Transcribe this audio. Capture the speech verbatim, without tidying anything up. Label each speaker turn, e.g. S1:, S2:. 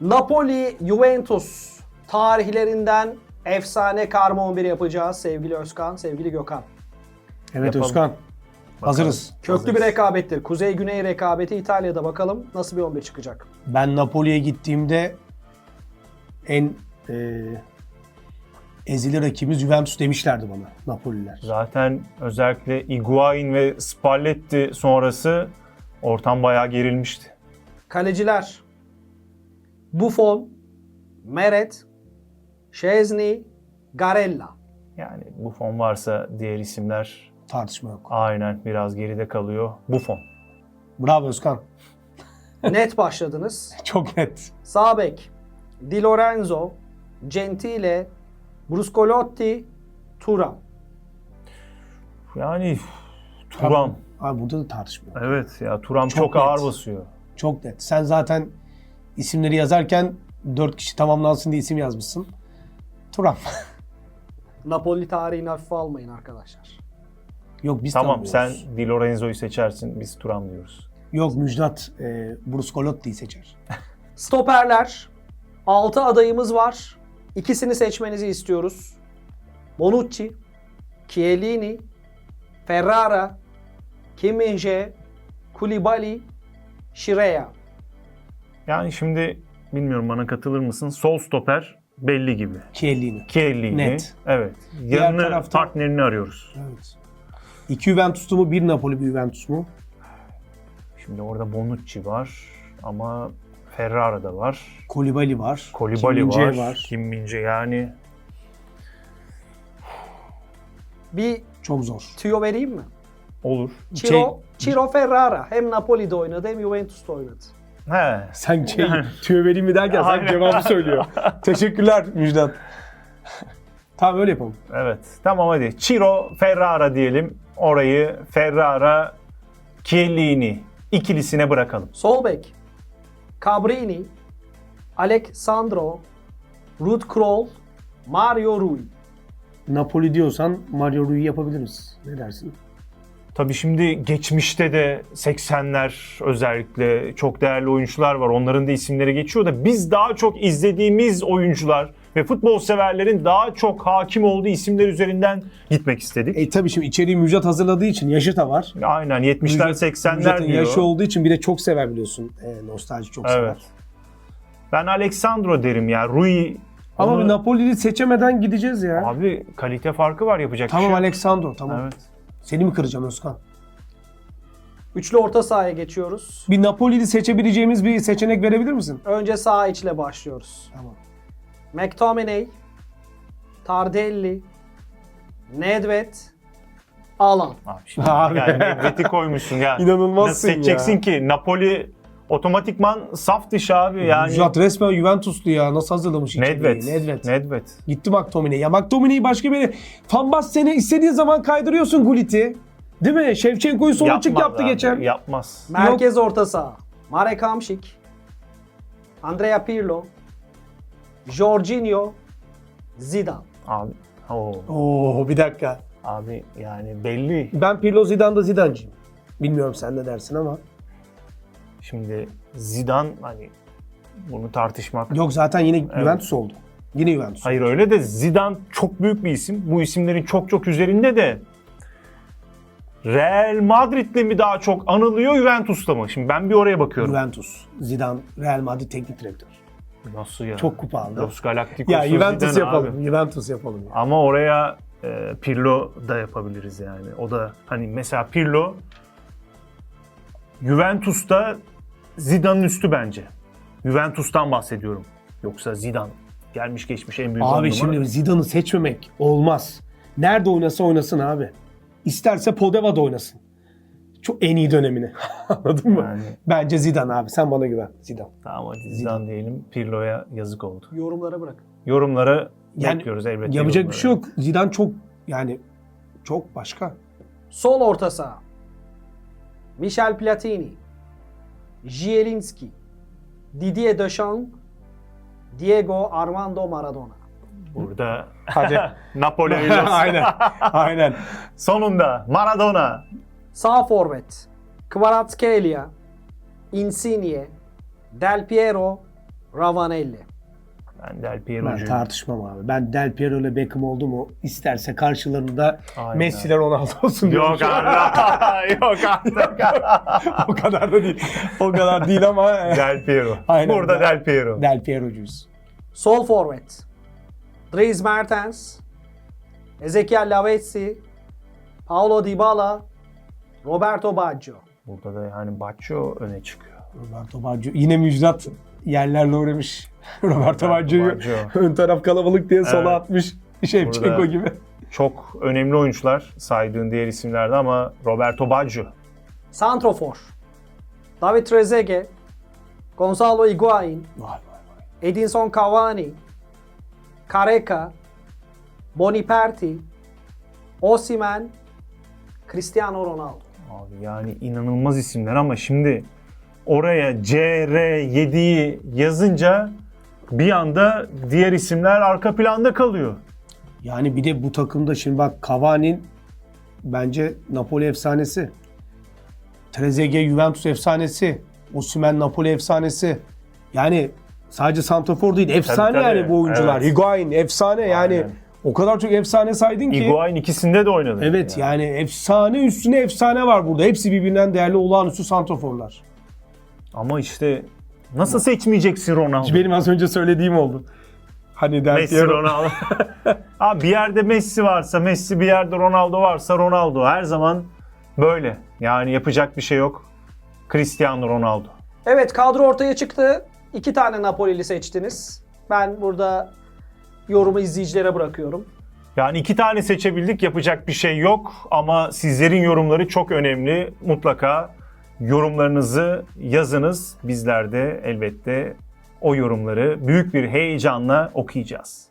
S1: Napoli Juventus tarihlerinden efsane karma on bir yapacağız sevgili Özkan, sevgili Gökhan.
S2: Evet
S3: Yapalım.
S2: Özkan. Hazırız.
S1: Köklü
S3: Hazırız.
S1: bir rekabettir. Kuzey-Güney rekabeti İtalya'da, bakalım nasıl bir on bir çıkacak.
S2: Ben Napoli'ye gittiğimde en e, ezili rakibimiz Juventus demişlerdi bana Napoliler.
S3: Zaten özellikle Higuain ve Spalletti sonrası ortam bayağı gerilmişti.
S1: Kaleciler Buffon, Meret, Szczesny, Garella.
S3: Yani Buffon varsa diğer isimler
S2: Tartışma yok.
S3: aynen biraz geride kalıyor. Buffon.
S2: Bravo Özkan.
S1: Net başladınız.
S2: Çok net.
S1: Sağ bek Di Lorenzo, Gentile, Bruscolotti, Thuram.
S3: Yani Thuram.
S2: Abi burada da tartışma yok.
S3: Evet ya Thuram çok,
S2: Çok
S3: ağır
S2: net.
S3: basıyor.
S2: Çok net. Sen zaten isimleri yazarken dört kişi tamamlansın diye isim yazmışsın. Turam.
S1: Napoli tarihini hafife almayın arkadaşlar.
S2: Yok biz
S3: Tamam sen
S2: tanımıyoruz.
S3: Di Lorenzo'yu seçersin, biz Thuram diyoruz.
S2: Yok Müjdat e, Bruscolotti'yi seçer.
S1: Stoperler. altı adayımız var. İkisini seçmenizi istiyoruz. Bonucci, Chiellini, Ferrara, Kim Min-jae, Koulibaly, Şireya.
S3: Yani şimdi bilmiyorum bana katılır mısın? Sol stoper belli gibi.
S2: Chiellini.
S3: Chiellini.
S2: Net.
S3: Evet.
S2: Diğer
S3: Yanını
S2: tarafta-
S3: partnerini arıyoruz.
S2: Evet. İki Juventus'lu mu? Bir Napoli bir Juventus mu?
S3: Şimdi orada Bonucci var ama Ferrara da var.
S2: Koulibaly var.
S3: Koulibaly
S2: Kim
S3: var.
S2: Min-jae var.
S3: Kim Min-jae yani.
S1: Bir
S2: Çok zor.
S1: tüyo vereyim mi?
S3: Olur.
S1: Ciro,
S2: Şey-
S1: Ciro Ferrara hem Napoli'de oynadı hem Juventus'ta oynadı.
S3: He.
S2: Sen şey, tüyo vereyim mi derken sen
S3: Aynen.
S2: cevabı söylüyor. Teşekkürler Müjdat. Tamam öyle yapalım.
S3: Evet. Tamam hadi. Ciro Ferrara diyelim. Orayı Ferrara Chiellini ikilisine bırakalım.
S1: Sol bek Cabrini, Alexandro, Ruud Krol, Mario Rui.
S2: Napoli diyorsan Mario Rui'yi yapabiliriz. Ne dersin?
S3: Tabii şimdi geçmişte de seksenler özellikle çok değerli oyuncular var. Onların da isimleri geçiyor da biz daha çok izlediğimiz oyuncular ve futbol severlerin daha çok hakim olduğu isimler üzerinden gitmek istedik.
S2: E tabii şimdi içeriği Müjdat hazırladığı için yaşı da var.
S3: Aynen yetmişler
S2: Müjdat-
S3: seksenler
S2: Müjdat'ın
S3: diyor.
S2: yaşı olduğu için bir de çok sever biliyorsun. E, nostalji çok sever.
S3: Evet. Ben Alexandro derim ya. Rui
S2: Ama
S3: onu-
S2: bir Napoli'yi seçemeden gideceğiz ya.
S3: Abi kalite farkı var yapacak bir
S2: Tamam
S3: şey yok.
S2: Alexandro tamam.
S3: Evet.
S2: Seni mi kıracağım Özkan?
S1: Üçlü orta sahaya geçiyoruz.
S2: Bir Napoli'yi seçebileceğimiz bir seçenek verebilir misin?
S1: Önce sağ içle başlıyoruz.
S2: Tamam.
S1: McTominay, Tardelli, Nedved, Alan.
S3: Abi şimdi
S2: Abi.
S3: yani Nedved'i koymuşsun ya.
S2: İnanılmazsın
S3: Nasıl seçeceksin
S2: ya.
S3: ki? Napoli otomatikman saf dışı abi yani.
S2: Müjdat resmen Juventuslu ya. Nasıl hazırlamış
S3: Nedved.
S2: içeriği? Nedved.
S3: Nedved.
S2: Gitti McTominay. Ya McTominay'i başka bir... Van Basten'e istediğin zaman kaydırıyorsun Gullit'i. Değil mi? Şevçenko'yu sol açık
S3: Yapmaz
S2: yaptı
S3: abi,
S2: geçen.
S3: Yapmaz.
S1: Merkez orta saha. Marek Hamšík, Andrea Pirlo, Jorginho, Zidane.
S3: Abi. Oo.
S2: Oo bir dakika.
S3: Abi yani belli.
S2: Ben Pirlo Zidane'da Zidane'cıyım. Bilmiyorum sen ne dersin ama.
S3: Şimdi Zidane hani bunu tartışmak.
S2: Yok zaten yine Juventus oldu. Yine Juventus.
S3: Hayır öyle de Zidane çok büyük bir isim. Bu isimlerin çok çok üzerinde de Real Madrid'le mi daha çok anılıyor Juventus'ta mı? Şimdi ben bir oraya bakıyorum.
S2: Juventus. Zidane Real Madrid teknik direktör.
S3: Nasıl ya?
S2: Çok kupa aldı.
S3: Los Galacticos'u
S2: Ya Juventus
S3: Zidane
S2: yapalım.
S3: abi.
S2: Juventus yapalım. Ya.
S3: Ama oraya e, Pirlo da yapabiliriz yani. O da hani mesela Pirlo Juventus'ta Zidane'ın üstü bence. Juventus'tan bahsediyorum. Yoksa Zidane gelmiş geçmiş en büyük on
S2: Abi
S3: numara.
S2: şimdi Zidane'ı seçmemek olmaz. Nerede oynasa oynasın abi. İsterse Podeva'da oynasın. Çok en iyi dönemini. Anladın mı?
S3: Yani.
S2: Bence Zidane abi. Sen bana güven. Zidane.
S3: Tamam hadi Zidane diyelim. Pirlo'ya yazık oldu.
S1: Yorumlara bırak.
S3: Yorumları
S2: Yani
S3: bekliyoruz elbette.
S2: Yapacak bir
S3: yorumları.
S2: şey yok. Zidane çok yani çok başka.
S1: Sol orta saha. Michel Platini, Zielinski, Didier Deschamps, Diego Armando Maradona.
S3: Burada
S2: Hadi.
S3: Napoli hayırlısı.
S2: Aynen. Aynen.
S3: Sonunda Maradona.
S1: Sağ forvet. Kvaratskhelia, Insigne, Del Piero, Ravanelli.
S3: Ben Del
S2: Ben
S3: Piero'cuyum.
S2: tartışmam abi. Ben Del Piero ile Beckham oldu mu isterse karşılarında
S3: Aynen.
S2: Messi'ler Ronaldo olsun diyorum.
S3: Yok artık. Yok artık.
S2: O kadar da değil. O kadar değil ama
S3: Del Piero.
S2: Aynen.
S3: Burada Del Piero.
S2: Del Piero'cuyuz.
S1: Sol forvet. Dries Mertens. Ezequiel Lavezzi. Paulo Dybala. Roberto Baggio.
S3: Burada da yani Baccio öne çıkıyor.
S2: Roberto Baggio yine müjdat yerlerle uğramış. Roberto Baggio'yu
S3: Baggio.
S2: ön taraf kalabalık diye sola
S3: Evet.
S2: atmış. Şevçenko
S3: Burada-
S2: gibi.
S3: Çok önemli oyuncular saydığın diğer isimlerde ama Roberto Baggio.
S1: Santrofor. David Trezeguet. Gonzalo Higuain.
S2: Vay vay vay.
S1: Edinson Cavani. Careca. Boniperti. Osimhen. Cristiano Ronaldo.
S3: Abi yani inanılmaz isimler ama şimdi oraya C R yediyi yazınca bir anda diğer isimler arka planda kalıyor.
S2: Yani bir de bu takımda şimdi bak Cavani'nin bence Napoli efsanesi. Trezeguet Juventus efsanesi. Osimhen Napoli efsanesi. Yani sadece santrafor değil efsane
S3: Tabii, tabii.
S2: yani bu oyuncular.
S3: Evet.
S2: Higuain efsane yani
S3: Aynen.
S2: o kadar çok efsane saydın ki.
S3: Higuain ikisinde de oynadı.
S2: Evet yani efsane üstüne efsane var burada. Hepsi birbirinden değerli olağanüstü santraforlar.
S3: Ama işte nasıl seçmeyeceksin Ronaldo?
S2: Benim az önce söylediğim oldu. Hani Del
S3: Messi,
S2: Piero.
S3: Ronaldo. Abi bir yerde Messi varsa Messi, bir yerde Ronaldo varsa Ronaldo. Her zaman böyle. Yani yapacak bir şey yok. Cristiano Ronaldo.
S1: Evet, kadro ortaya çıktı. İki tane Napoli'li seçtiniz. Ben burada yorumu izleyicilere bırakıyorum.
S3: Yani iki tane seçebildik, yapacak bir şey yok. Ama sizlerin yorumları çok önemli. Mutlaka yorumlarınızı yazınız. Bizler de elbette o yorumları büyük bir heyecanla okuyacağız.